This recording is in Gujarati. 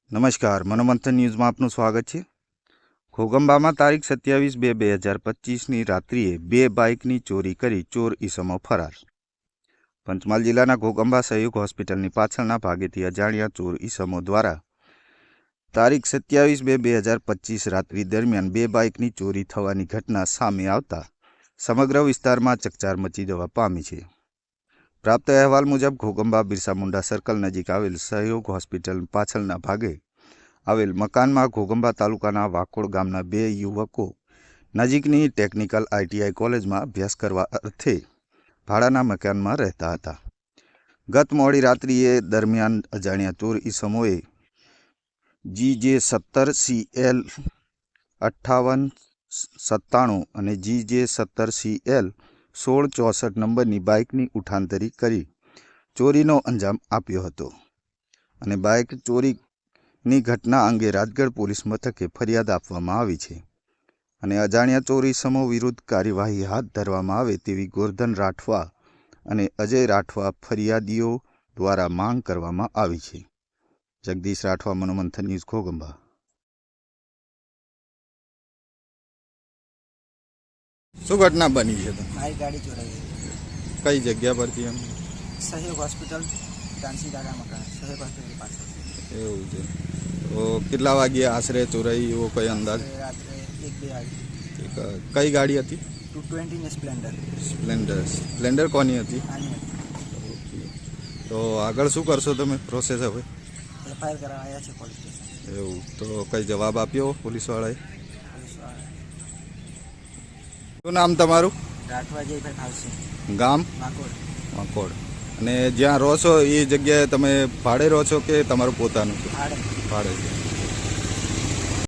નમસ્કાર, મનોમંથન ન્યૂઝમાં આપનું સ્વાગત છે। ઘોગંબામાં તારીખ 27/2/2025ની રાત્રિએ 2 બાઇકની ચોરી કરી ચોર ઈસમો ફરાર। પંચમહાલ જિલ્લાના ઘોગંબા સહયોગ હોસ્પિટલની પાછળના ભાગેથી અજાણ્યા ચોર ઈસમો દ્વારા તારીખ 27/2/2025 રાત્રિ દરમિયાન 2 બાઇકની ચોરી થવાની ઘટના સામે આવતા સમગ્ર વિસ્તારમાં ચકચાર મચી જવા પામી છે। પ્રાપ્ત અહેવાલ મુજબ ઘોગંબા બિરસા મુંડા સર્કલ નજીક આવેલ સહયોગ હોસ્પિટલ પાછળના ભાગે આવેલ મકાનમાં ઘોગંબા તાલુકાના વાકોડ ગામના 2 યુવકો નજીકની ટેકનિકલ ITI કોલેજમાં અભ્યાસ કરવા અર્થે ભાડાના મકાનમાં રહેતા હતા। ગત મોડી રાત્રિએ દરમિયાન અજાણ્યા ચોર ઈસમોએ GJ17CL 5897 અને GJ17CL 1664 નંબરની બાઇકની ઉઠાંતરી કરી ચોરીનો અંજામ આપ્યો હતો અને બાઇક ચોરીની ઘટના અંગે રાજગઢ પોલીસ મથકે ફરિયાદ આપવામાં આવી છે અને અજાણ્યા ચોર ઈસમો વિરુદ્ધ કાર્યવાહી હાથ ધરવામાં આવે તેવી ગોરધન રાઠવા અને અજય રાઠવા ફરિયાદીઓ દ્વારા માંગ કરવામાં આવી છે। જગદીશ રાઠવા, મનોમંથન ન્યૂઝ, ઘોગંબા। શું ઘટના બની છે? મારી ગાડી ચોરાઈ ગઈ। કઈ જગ્યા પરથી? એમ સહયોગ હોસ્પિટલ ડાન્સી દાદા મકાન સહયોગ હોસ્પિટલ પાસે। એવું છે, તો કેટલા વાગ્યે આશરે ચોરાઈ એવો કઈ અંદાજ? રાત્રે 1-2 વાગે। કઈ ગાડી હતી? 220 ને સ્પ્લેન્ડર। સ્પ્લેન્ડર કોની હતી? આની હતી। તો આગળ શું કરશો તમે પ્રોસેસ હવે? FIR કરાવવા આવ્યા છે પોલીસ સ્ટેશન। એવું, તો કઈ જવાબ આપ્યો પોલીસવાળાએ? શું નામ તમારું? રાઠવા જયભાઈ ભાવસિંહ, ગામ? વાકોડ। વાકોડ। અને જ્યાં રહો છો એ જગ્યાએ તમે ભાડે રહો છો કે તમારું પોતાનું છે? ભાડે। ભાડે છે।